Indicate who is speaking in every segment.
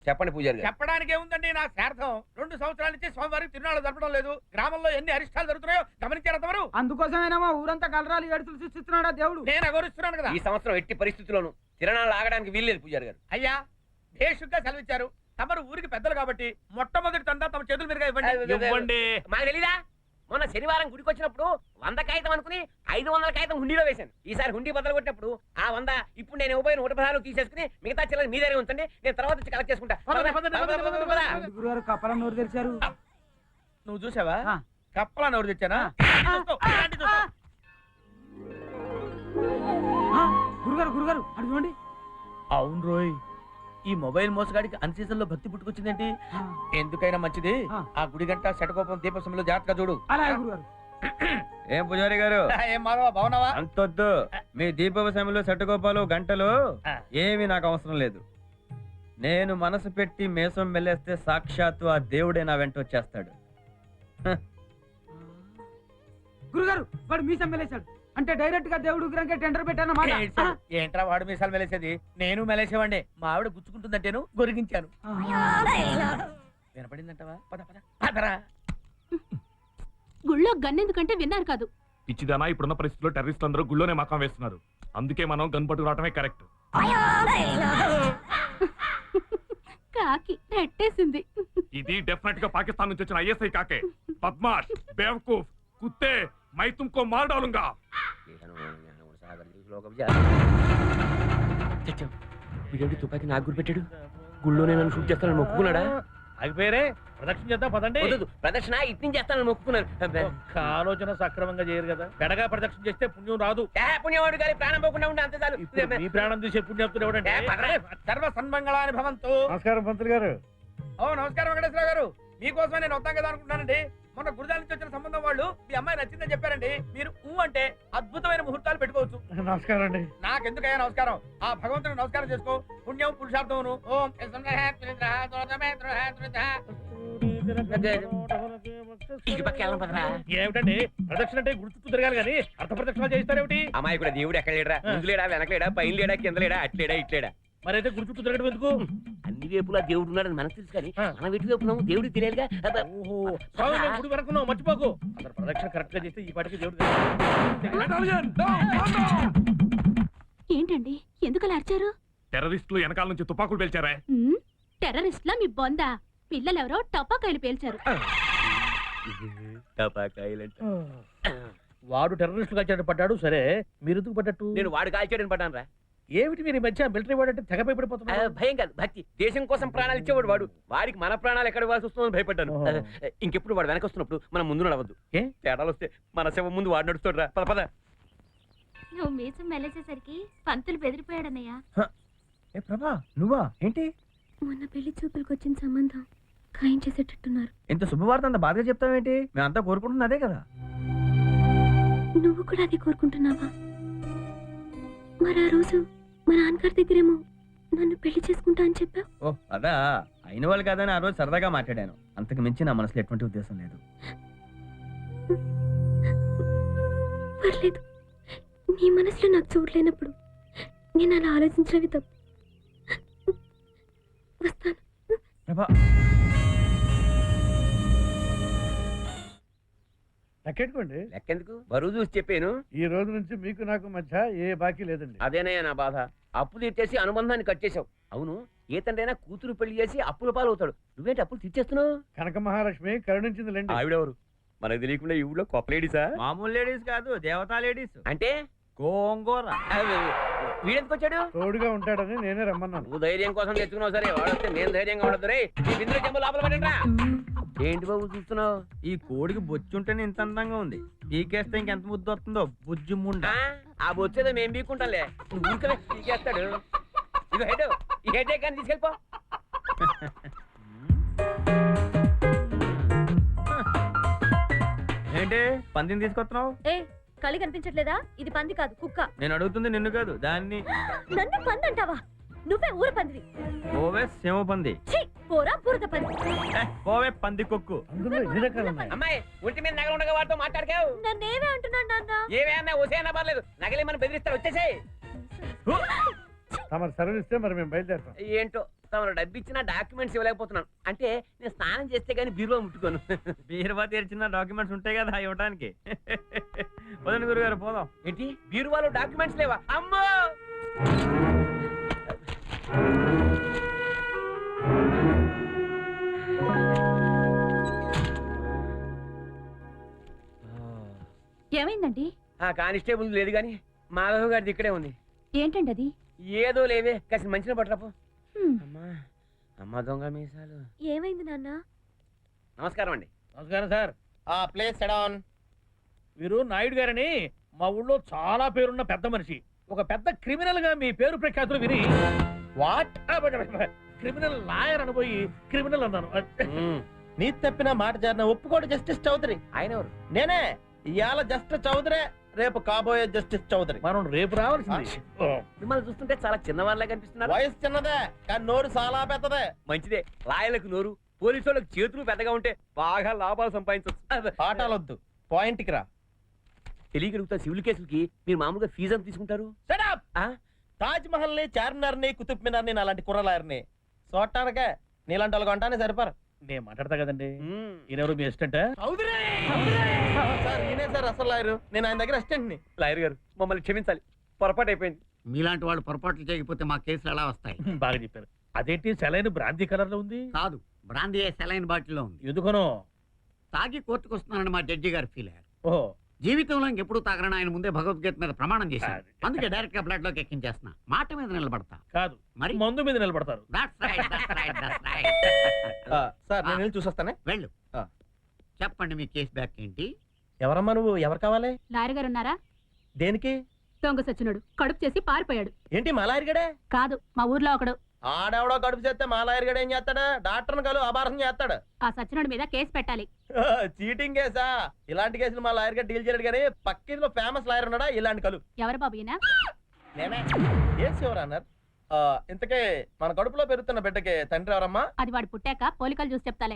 Speaker 1: చెప్పండి పూజారి గారు.
Speaker 2: చెప్పడానికి ఏముందండి, నా శార్థం 2 సంవత్సరాల నుంచి స్వామివారికి తిరునాళ్ళు జరపడం లేదు. గ్రామంలో ఎన్ని అరిష్టాలు జరుగుతున్నాయో గమనించారు తమరు?
Speaker 3: అందుకోసమేనా మా ఊరంతా కలరాలు ఏడుతులు సృష్టిస్తున్నాడా దేవుడు?
Speaker 2: నేను అగౌరవిస్తున్నాను కదా.
Speaker 1: ఈ సంవత్సరం ఎట్టి పరిస్థితుల్లోనూ తిరణాలు ఆగడానికి వీల్లేదు పూజారి గారు.
Speaker 2: అయ్యా భేషుగ్గా సెలవిచ్చారు. తమరు ఊరికి పెద్దలు కాబట్టి మొట్టమొదటి తందా తమ చేతుల మీదుగా ఇవ్వండి.
Speaker 1: మాకు తెలీదా? మొన్న శనివారం గుడికి వచ్చినప్పుడు 100 కాగితం అనుకుని 500 కాగితం హుండీలో వేశాను. ఈసారి హుండీ బద్దలు కొట్టినప్పుడు ఆ 100 ఇప్పుడు నేను ఇవ్వబోయిన 116 తీసేసుకుని మిగతా చిల్లర మీ దగ్గర ఉంచండి, నేను తర్వాత వచ్చి కలెక్ట్ చేసుకుంటా.
Speaker 3: గురుగారు కప్పల నోరు తెరిచారు.
Speaker 2: నువ్వు చూసావా కప్పలా నోరు తెచ్చానా?
Speaker 3: గురుగారు గురుగారు అటు చూడండి.
Speaker 2: అవును రోయ్, ఈ మొబైల్ మోసగాడికి అన్ సీజన్ లో భక్తి పుట్టుకొచ్చిందేంటి? ఎందుకైనా మంచిది ఆ గుడి గంట శటకోపం దీప సమయంలో జాగ్రత్తగా చూడు.
Speaker 3: అలాగే గురుగారు.
Speaker 4: ఏం పూజారి గారు
Speaker 2: ఏం మాధవ బాగున్నావా?
Speaker 4: అంతొద్దు. మీ దీపవ సమయంలో శటకోపాలు గంటలు ఏమి నాకు అవసరం లేదు. నేను మనసు పెట్టి మేసం వెళ్ళేస్తే సాక్షాత్తు ఆ దేవుడే నా వెంట వచ్చేస్తాడు.
Speaker 3: గురుగారు వాడు మీసం మెలేశాడు అంటే డైరెక్ట్ గా దేవుడు విగ్రహంకే టెండర్ పెట్టాను.
Speaker 2: ఏంట్రా వాడు మీసాలు మెలేసేది? నేను మెలేసేవాడిని. మా ఆవిడ గుచ్చుకుంటుందంటేను గొరిగించాను. వినపడిందంటవా? పద పద పదరా.
Speaker 5: గుళ్ళో గన్నెందుకంటే విన్నారు కాదు.
Speaker 6: పిచ్చిదానా, ఇప్పుడున్న పరిస్థితుల్లో టెర్రరిస్టులు అందరూ గుళ్ళోనే మకాం వేస్తున్నారు. అందుకే మనం గన్ పట్టుకు రావటమే కరెక్ట్.
Speaker 5: కాకి రెట్టేసింది.
Speaker 6: ఇది డెఫినెట్ గా పాకిస్తాన్ నుంచి వచ్చిన ఐఎస్ఐ కాకే. బద్మాష్, బేవకూఫ్, కుత్తే, మై తుమ్కో మార్ డాలూంగా.
Speaker 1: వీడేంటి తుపాకి నాకు గురి పెట్టాడు? గుళ్ళోనే నన్ను షూట్ చేస్తానని మొక్కుకున్నాడా?
Speaker 2: ఆగిపోయారే, ప్రదక్షిణ చేద్దాం పదండి.
Speaker 1: ప్రదక్షిణ ఇట్ని చేస్తానని మొక్కుకున్నాను.
Speaker 2: ఆలోచన సక్రమంగా చేయరు కదా. పెడగా ప్రదక్షిణ చేస్తే పుణ్యం రాదు.
Speaker 1: పుణ్యవాడు గారి ప్రాణం పోకుండా ఉంటే అంతే చాలు.
Speaker 2: మీ ప్రాణం చూసే పుణ్యం సర్వ సన్మంగళాని భవంతు.
Speaker 4: నమస్కారం పంతులు గారు.
Speaker 2: ఓ నమస్కారం వెంకటేశ్వర గారు. మీకోసమే నేను వద్దాం కదా అనుకుంటున్నానండి. మొన్న గురుజాల నుంచి వచ్చిన సంబంధం వాళ్ళు మీ అమ్మాయి నచ్చిందని చెప్పారండి. మీరు అంటే అద్భుతమైన ముహూర్తాలు పెట్టుకోవచ్చు.
Speaker 4: నమస్కారం అండి.
Speaker 2: నాకెందుకయ్యా నమస్కారం? ఆ భగవంతుని నమస్కారం చేసుకో. పుణ్యం పురుషార్థమును. ఓం ఏమిటండి ప్రదక్షిణ అంటే గుర్తు తిరగాలి కానీ అర్థ ప్రదక్షిణ చేస్తారేమిటి?
Speaker 1: అమ్మాయి కూడా దేవుడు ఎక్కడ లేడా? ముందు లేడా, వెనక లేడా, పైన లేడా, కింద లేడా, అట్లేడా, ఇట్లేడా?
Speaker 2: మరైతే గుడి చుట్టూ తిరగడం ఎందుకు?
Speaker 1: అన్ని వైపులా దేవుడు ఉన్నాడని మనకు తెలుసు కానీ మనం ఎటు వైపు దేవుడికి తెలియాలిగా.
Speaker 2: గుడి వరకు మర్చిపోకు. అసలు ప్రదక్షిణ కరెక్ట్ గా చేస్తే ఈ పాటికి దేవుడు.
Speaker 5: ఏంటండి ఎందుకలా అరిచారు?
Speaker 6: టెర్రరిస్టులు వెనకాల నుంచి తుపాకులు పేల్చారా?
Speaker 5: టెర్రరిస్ట్లా మీ బొందా? పిల్లలెవరో టపాకాయలు పేల్చారు.
Speaker 2: వాడు టెర్రరిస్టులు కాల్చాడు పడ్డాడు. సరే మీరు ఎందుకు పడ్డట్టు?
Speaker 1: నేను వాడు కాల్చాడని పడ్డాను రా.
Speaker 2: ఏమిటి మీరు ఈ మధ్య మిలిటరీ వాడు అంటే తెగ భయపడిపోతున్నారు?
Speaker 1: భయం కాదు, భక్తి. దేశం కోసం ప్రాణాలు ఇచ్చేవాడు వాడు. వాడికి మన ప్రాణాలు ఎక్కడ ఇవ్వాల్సి వస్తుందని భయపడ్డాను. ఇంకెప్పుడు వాడు వెనక వస్తున్నప్పుడు మనం ముందు నడవద్దు. ఏ తేడాలు వస్తే మన శవం ముందు వాడు నడుస్తాడు రా. పద పద.
Speaker 5: నువ్వు మీసం మెలేసేసరికి పంతులు బెదిరిపోయాడన్నయ్యా.
Speaker 4: ఏ ప్రభా, నువ్వా? ఏంటి
Speaker 5: మొన్న పెళ్లి చూపులకు వచ్చిన సంబంధం ఖాయం చేసేటట్టున్నారు.
Speaker 4: ఇంత శుభవార్త అంత బాధగా చెప్తావేంటి? మేమంతా కోరుకుంటున్నా అదే కదా.
Speaker 5: నువ్వు కూడా అది కోరుకుంటున్నావా? మరి ఆ రోజు మా నాన్నగారి దగ్గరేమో నన్ను పెళ్లి చేసుకుంటా అని చెప్పావు.
Speaker 4: ఓ అదా, అయిన వాళ్ళు కాదని ఆ రోజు సరదాగా మాట్లాడాను. అంతకు మించి నా మనసులో ఎటువంటి ఉద్దేశం లేదు.
Speaker 5: పర్లేదు, నీ మనసులో నాకు చూడలేనప్పుడు నేను అలా ఆలోచించినవి తప్పు. వస్తాను.
Speaker 4: ప్రభా
Speaker 2: లెక్కెట్టుకోండి.
Speaker 1: లెక్కెందుకు? బరువు చూసి చెప్పాను.
Speaker 2: ఈ రోజు నుంచి మీకు నాకు మధ్య ఏ బాకీ లేదండి.
Speaker 1: అదేనయ్యా నా బాధ. అప్పు తీర్చేసి అనుబంధాన్ని కట్ చేసావు. అవును, ఏ తండ్రైనా కూతురు పెళ్లి చేసి అప్పుల పాలు అవుతాడు. నువ్వేంటి అప్పులు తీర్చేస్తున్నావు?
Speaker 2: కనక మహాలక్ష్మి కరుణించింది లేండి.
Speaker 1: ఆవిడెవరు? మనకు తెలియకుండా ఈ ఊళ్ళో కొత్త లేడీసా?
Speaker 4: మామూలు లేడీస్ కాదు, దేవతా లేడీస్.
Speaker 1: అంటే
Speaker 4: గోంగూర.
Speaker 1: వీడెందుకు వచ్చాడు?
Speaker 2: తోడుగా ఉంటాడని నేనే రమ్మన్నాను.
Speaker 1: నువ్వు ధైర్యం కోసం తెచ్చుకున్నావు. సరే, వాడు వస్తే నేను ధైర్యంగా ఉండదు. రే ఈ బిందులో చెంబు లోపల పడండి. ఏంటి బాబు చూస్తున్నావు?
Speaker 4: ఈ కోడికి బొచ్చుంటేనే ఇంత అందంగా ఉంది. పీకేస్తే ఇంకెంత ముద్దు వస్తుందో బుజ్జి ముండ.
Speaker 1: ఆ బొచ్చేదో మేము పీక్కుంటాంలే. నువ్వు ఊరికే పీకేస్తాడు. ఇగో హెడ్, ఈ హెడ్ కానీ తీసుకెళ్ళిపో.
Speaker 4: ఏంటి పందిని తీసుకొస్తున్నావు?
Speaker 5: కళి కనిపించట్లేదా? ఇది పంది కాదు, కుక్క.
Speaker 4: నేను అడుగుతుంది నిన్ను కాదు, దాన్ని.
Speaker 5: నన్ను పంది అంటావా? నువ్వే ఊర పందివి.
Speaker 4: ఓవే సింహ పంది.
Speaker 5: పోరా బురద పంది.
Speaker 4: ఓవే పంది కొక్కు.
Speaker 1: అమ్మాయి ఒంటి మీద నగలు ఉండగా వాడితో మాట్లాడకావు.
Speaker 5: నన్నేమే అంటున్నాడు నాన్న?
Speaker 1: ఏమే అన్నా ఓసే అన్నా పర్లేదు. నగలి మనం బెదిరిస్తారు. వచ్చేసేయ్.
Speaker 2: తమరు సరళిస్తే మరి మేము బయలుదేరుతాం.
Speaker 1: ఏంటో తమరు డబ్బు ఇచ్చిన డాక్యుమెంట్స్ ఇవ్వలేకపోతున్నాను. అంటే నేను స్నానం చేస్తే గానీ బీరువా ముట్టుకోను.
Speaker 4: బీరువా తెరిచిన డాక్యుమెంట్స్ ఉంటాయి కదా ఇవ్వడానికి. పదండి గురుగారు పోదాం.
Speaker 1: ఏంటి బీరువాలో డాక్యుమెంట్స్ లేవా? అమ్మో!
Speaker 5: ఏమైందండి?
Speaker 1: ఆ కానిస్టేబుల్ లేదు గాని మాధవ్ గారిది ఇక్కడే ఉంది.
Speaker 5: ఏంటండి అది?
Speaker 1: ఏదో లేవే కాసి మంచిన పట్టరాపు.
Speaker 5: హ్మ్.
Speaker 1: అమ్మా అమ్మ దొంగ మీసాలు.
Speaker 5: ఏమైంది నాన్న?
Speaker 1: నమస్కారం అండి.
Speaker 2: నమస్కారం సార్.
Speaker 7: Place sedan.
Speaker 2: వీరు నాయుడు గారని మా ఊళ్ళో చాలా పేరున్న పెద్ద మనిషి. ఒక పెద్ద క్రిమినల్ గా మీ పేరు ప్రఖ్యాతులు విని
Speaker 7: వాట్?
Speaker 2: క్రిమినల్ లాయర్ అనబోయి క్రిమినల్ అన్నాను.
Speaker 7: నీ తప్పిన మాట జరిన ఒప్పుకోడు జస్టిస్ చౌదరి.
Speaker 1: ఆయన ఎవరు?
Speaker 7: నేనే ఇవాళ జస్టిస్ చౌదరి, రేపు కాబోయే జస్టిస్ చౌదరి.
Speaker 2: మనం రేపు రావాల్సింది.
Speaker 1: మిమ్మల్ని చూస్తుంటే చాలా చిన్నవాళ్ళగా కనిపిస్తున్నారు.
Speaker 7: వయసు చిన్నదే కానీ నోరు చాలా పెద్దదే.
Speaker 1: మంచిదే. లాయర్లకు నోరు, పోలీసు వాళ్ళకి చేతులు పెద్దగా ఉంటే బాగా లాభాలు సంపాదించవచ్చు.
Speaker 7: పాఠాలొద్దు, పాయింట్ కి రా.
Speaker 1: తెలియగలుగుతా సివిల్ కేసులకి మీరు మామూలుగా ఫీజు ఎంత తీసుకుంటారు?
Speaker 7: Shut up!
Speaker 1: ఆ?
Speaker 7: తాజ్ మహల్ ని, చార్మినార్ ని, కుతుబ్ మినార్ ని అలాంటి కుర్రలాయర్ని చూడటానికే నీలాంటి వాళ్ళకి అంటానే సరిపారు.
Speaker 2: నేను మాట్లాడతా కదండి.
Speaker 1: మ్మ్.
Speaker 2: ఈయనెవరు మీ అసిస్టెంట్?
Speaker 7: సార్ ఈయనే సార్ అసలు లాయరు. నేను ఆయన దగ్గర అసిస్టెంట్ ని.
Speaker 1: లాయర్ గారు మమ్మల్ని క్షమించాలి, పొరపాటు అయిపోయింది.
Speaker 8: మీలాంటి వాళ్ళు పొరపాట్లు చేయకపోతే మా కేసులు ఎలా వస్తాయి?
Speaker 2: బాగా చెప్పారు. అదేంటి సెలైన్ బ్రాంతి కలర్ లో ఉంది?
Speaker 8: కాదు, బ్రాందీ సెలైన్ బాటిల్లో ఉంది.
Speaker 2: ఎందుకనో
Speaker 8: తాగి కోర్టుకు వస్తున్నానని మా జడ్జి గారు ఫీల్ అయ్యారు.
Speaker 2: ఓహో,
Speaker 8: జీవితంలో ఇంకెప్పుడు తాగరని ఆయన ముందే భగవద్గీత మీద ప్రమాణం చేశారు.
Speaker 2: అది.
Speaker 8: అందుకే డైరెక్ట్ గా బ్లడ్ లోకి ఎక్కించేస్తున్నా. మాట మీద నిలబడతా.
Speaker 2: కాదు
Speaker 8: మరి
Speaker 2: మందు మీద నిలబడతారు.
Speaker 8: That's right, that's right, that's right.
Speaker 7: Sir నేను వెళ్ళి చూసొస్తానే.
Speaker 8: వెళ్ళు.
Speaker 7: ఆ.
Speaker 8: చెప్పండి మీ కేసు బ్యాక్ ఏంటి?
Speaker 7: ఎవరమ్మా నువ్వు? ఎవరు కావాలి?
Speaker 5: లాయర్ గారు ఉన్నారా?
Speaker 7: దేనికి?
Speaker 5: దొంగ సచ్చినోడు కడుపు చేసి పారిపోయాడు.
Speaker 7: ఏంటి మా లాయర్ గడే?
Speaker 5: కాదు, మా ఊర్లో ఒకడు.
Speaker 7: ఆడెవడో కడుపు చేస్తే మా లాయర్ గడే ఏం చేస్తాడు? డాక్టర్ని కలు అబార్సం చేస్తాడు.
Speaker 5: ఆ సచ్చినోడి మీద కేసు పెట్టాలి.
Speaker 7: చీటింగ్ కేసా? ఇలాంటి కేసులు మా లాయర్ గారు డీల్ చేయడు కానీ పక్కిలో ఫేమస్ లాయర్ ఉన్నాడా ఇలాంటి కలు?
Speaker 5: ఎవరు బాబు ఈయన?
Speaker 7: నేనే. ఏం శివరా అన్నారు? ఇంతకే మన కడుపులో పెరుగుతున్న బిడ్డకి తండ్రి ఎవరమ్మా?
Speaker 5: అది వాడు పుట్టాక పోలికలు చూసి చెప్తాలే.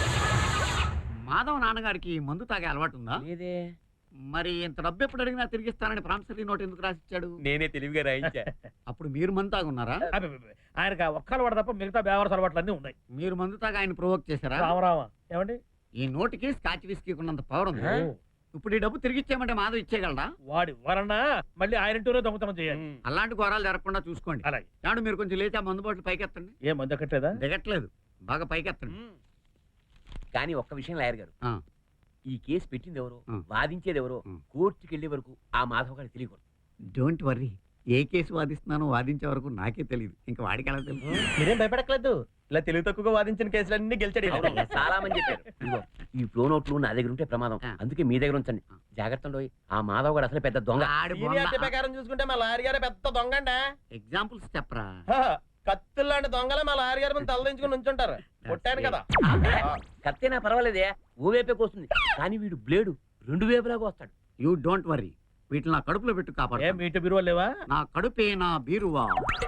Speaker 8: మాధవ్ నాన్నగారికి మందు తాగే అలవాటు ఉందా?
Speaker 1: లేదే.
Speaker 8: మరి ఇంత డబ్బు ఎప్పుడు అడిగినా తిరిగిస్తానని ప్రామిసరీ నోట్ ఎందుకు రాసిచ్చాడు?
Speaker 1: నేనే తెలివిగా రాయించా.
Speaker 8: అప్పుడు మీరు మందు తాగున్నారా?
Speaker 2: అబ్బబ్బబ్బ. ఆయనకు ఆ ఒక్కలు వాడు తప్ప మిగతా బేవరస అలవాట్లు అన్నీ ఉన్నాయి.
Speaker 8: మీరు మందు తాగా ఆయన ప్రొవోక్ చేశారా?
Speaker 2: రామరామ ఏమండి?
Speaker 8: ఈ నోటికి స్కాచ్ విస్కీ ఉన్నంత పవర్ ఉంది. ఇప్పుడు ఈ డబ్బు తిరిగి ఇచ్చేయమంటే మాధవ్ ఇచ్చేయగలడా?
Speaker 2: వాడి వరన్నా మళ్ళీ ఆయన ఇంటూనే దొంగతనం చేయాలి.
Speaker 8: అలాంటి ఘోరాలు జరగకుండా చూసుకోండి.
Speaker 2: అలాగే. అలాగే.
Speaker 8: మీరు కొంచెం లేచి ఆ మందు బాటిల్ పైకెత్తండి.
Speaker 2: ఏ మందు ఎక్కట్లేదా?
Speaker 8: దిగట్లేదు, బాగా పైకెత్తండి.
Speaker 1: కానీ ఒక్క విషయం లాయర్ గారు,
Speaker 8: ఆ.
Speaker 1: ఈ కేసు పెట్టింది ఎవరో,
Speaker 8: ఆ.
Speaker 1: వాదించేది ఎవరో,
Speaker 8: ఆ.
Speaker 1: కోర్టుకి వెళ్లే వరకు ఆ మాధవ్ గారికి తెలియకూడదు.
Speaker 8: డోంట్ వర్రీ, ఏ కేసు వాదిస్తున్నానో వాదించే వరకు నాకే తెలియదు. ఇంకా వాడికి ఎలా తెలుసు?
Speaker 7: మీరేం భయపడట్లేదు. ఇలా తెలివి తక్కువగా వాదించిన కేసులన్నీ గెలిచాడు ఈయన.
Speaker 1: అవును, చాలా మంది చెప్పారు. ఇదిగో, ఈ ప్రో నోట్లు నా దగ్గర ఉంటే ప్రమాదం,
Speaker 8: ఆ.
Speaker 1: అందుకే మీ దగ్గర ఉంచండి. జాగ్రత్త ఉండోయ్. ఆ మాధవ్ గారు అసలు పెద్ద దొంగ.
Speaker 7: సీనియారిటీ ప్రకారం చూసుకుంటే మా లాయర్ గారే పెద్ద దొంగండి.
Speaker 8: ఎగ్జాంపుల్స్ చెప్పరా?
Speaker 7: కత్తులు లాంటి దొంగలే మా లాయర్ గారి మీద తలదించుకుని ఉంచుంటారు. కొట్టాను కదా.
Speaker 1: కత్తేనా పర్వాలేదే, ఓ వైపే కోస్తుంది. కానీ వీడు బ్లేడు రెండు వైపులాగా వస్తాడు.
Speaker 8: యూ డోంట్ వర్రీ, వీటిని నా కడుపులో పెట్టు
Speaker 2: ఏం
Speaker 8: కాపాడు.
Speaker 2: మీ ఇంటి బీరువా లేవా?
Speaker 8: నా కడుపే నా బీరువా.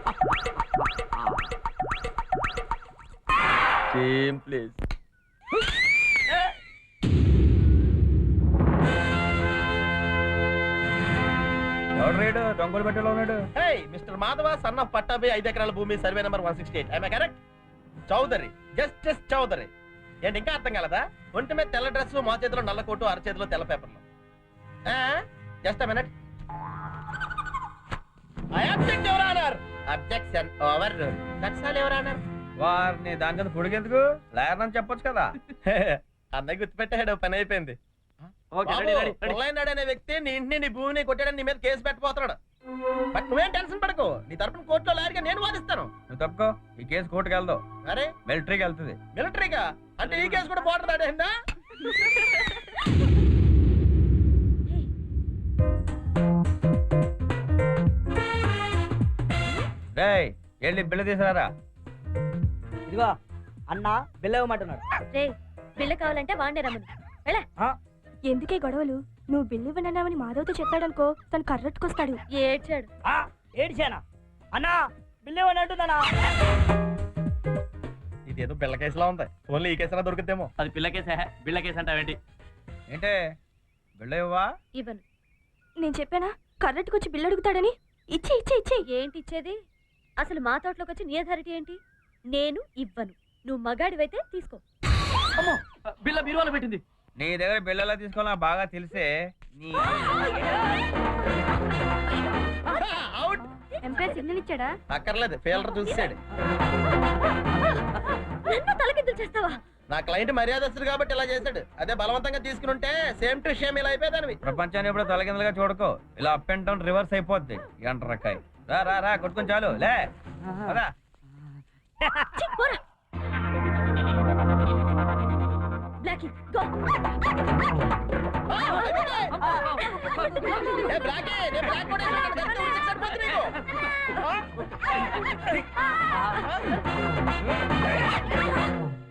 Speaker 7: Same place.
Speaker 4: ఎవడు రేడు దొంగలు పెట్టలో ఉన్నాడు?
Speaker 7: Hey mister Madhava son of Pattabhi 5 ఎకరాల భూమి survey number 168. I correct? Chowdary, justice Chowdary. ఏంటి ఇంకా అర్థం కలదా? ఒంటి మీద తెల్ల డ్రెస్, మా చేతిలో నల్ల కోటు, అరచేతిలో తెల్ల పేపర్లు. Just minute. I object your honour. Objection over. That's all your honour.
Speaker 4: వారిని దాని కింద పొడిగెందుకు? లాయర్ అని చెప్పొచ్చు కదా.
Speaker 7: అన్నయ్య గుర్తుపెట్టాడు, పని అయిపోయింది.
Speaker 1: Okay, ready, ready, ready.
Speaker 7: పొల్లైనాడు అనే వ్యక్తి నీ ఇంటిని, నీ భూమిని కొట్టాడని నీ మీద కేసు పెట్టబోతున్నాడు. బట్ నువ్వేం టెన్షన్ పడకు, నీ తరపున కోర్టులో లాయర్గా నేను వాదిస్తాను.
Speaker 4: నువ్వు తప్పుకో, ఈ కేసు కోర్టుకు వెళ్దావు.
Speaker 7: అరే
Speaker 4: మిలిటరీకి వెళ్తుంది.
Speaker 7: మిలిటరీగా? అంటే ఈ కేసు కూడా బోర్డర్ దాటేసిందా?
Speaker 4: రేయ్ వెళ్ళి బిల్లు తీసుకురారా.
Speaker 3: ఇదిగో అన్న బిల్లవమంటున్నాడు.
Speaker 5: రే, బిల్ల కావాలంటే వాడినే రమ్మను.
Speaker 9: ఎందుకే గొడవలు? నువ్వు బిల్లు ఇవ్వనన్నామని మాధవ్తో చెప్పాడనుకో, తను కర్రట్టుకొస్తాడు.
Speaker 5: ఏడ్చాడు.
Speaker 3: ఏడిచానా? అన్నా బిల్లవనంటుందనా?
Speaker 7: ఇదేదో బిళ్ళ కేసులా ఉంది. ఓన్లీ ఈ కేసులా దొరుకుతేమో.
Speaker 1: అది పిల్ల కేసే, బిళ్ళ కేసు అంటావేంటి?
Speaker 4: ఏంటే బిల్లు ఇవ్వవా?
Speaker 5: ఇవ్వను.
Speaker 9: నేను చెప్పానా కర్రట్టుకొచ్చి బిల్లు అడుగుతాడని? ఇచ్చి ఇచ్చి ఇచ్చి.
Speaker 5: ఏంటి ఇచ్చేది? అసలు మా తోటలోకి వచ్చి నీ అథారిటీ ఏంటి? నేను ఇవ్వను. నువ్వు మగాడివైతే తీసుకో.
Speaker 2: బిల్ల బీరువాలో పెట్టింది.
Speaker 4: నీ దగ్గర బిల్లలా తీసుకోవాలని నాకు బాగా తెలిసే. నీ
Speaker 7: అవుట్.
Speaker 9: ఎంపైర్ సిగ్నల్ ఇచ్చాడా?
Speaker 7: అక్కర్లేదు, ఫీల్డర్ చూసాడు.
Speaker 5: నన్ను తలకిందులు చేస్తావా?
Speaker 7: నా క్లయింట్ మర్యాదస్తుడు కాబట్టి ఇలా చేశాడు. అదే బలవంతంగా తీసుకుని ఉంటే సేమ్ టు సేమ్ ఇలా అయిపోయేదానివి.
Speaker 4: ప్రపంచాన్ని ఎప్పుడు తలకిందలుగా చూడకో. ఇలా అప్ అండ్ డౌన్ రివర్స్ అయిపోద్ది. ఎంట్రకాయ రా రా రా కొట్టుకొని చాలు లే పదా.
Speaker 5: ఛీ, పోరా. Blackie, go.
Speaker 7: ఏ బ్లాకే, నేను బ్లాక్ కూడా వేసాను. గట్టిగా ఉంటే సరిపోతుంది నీకు.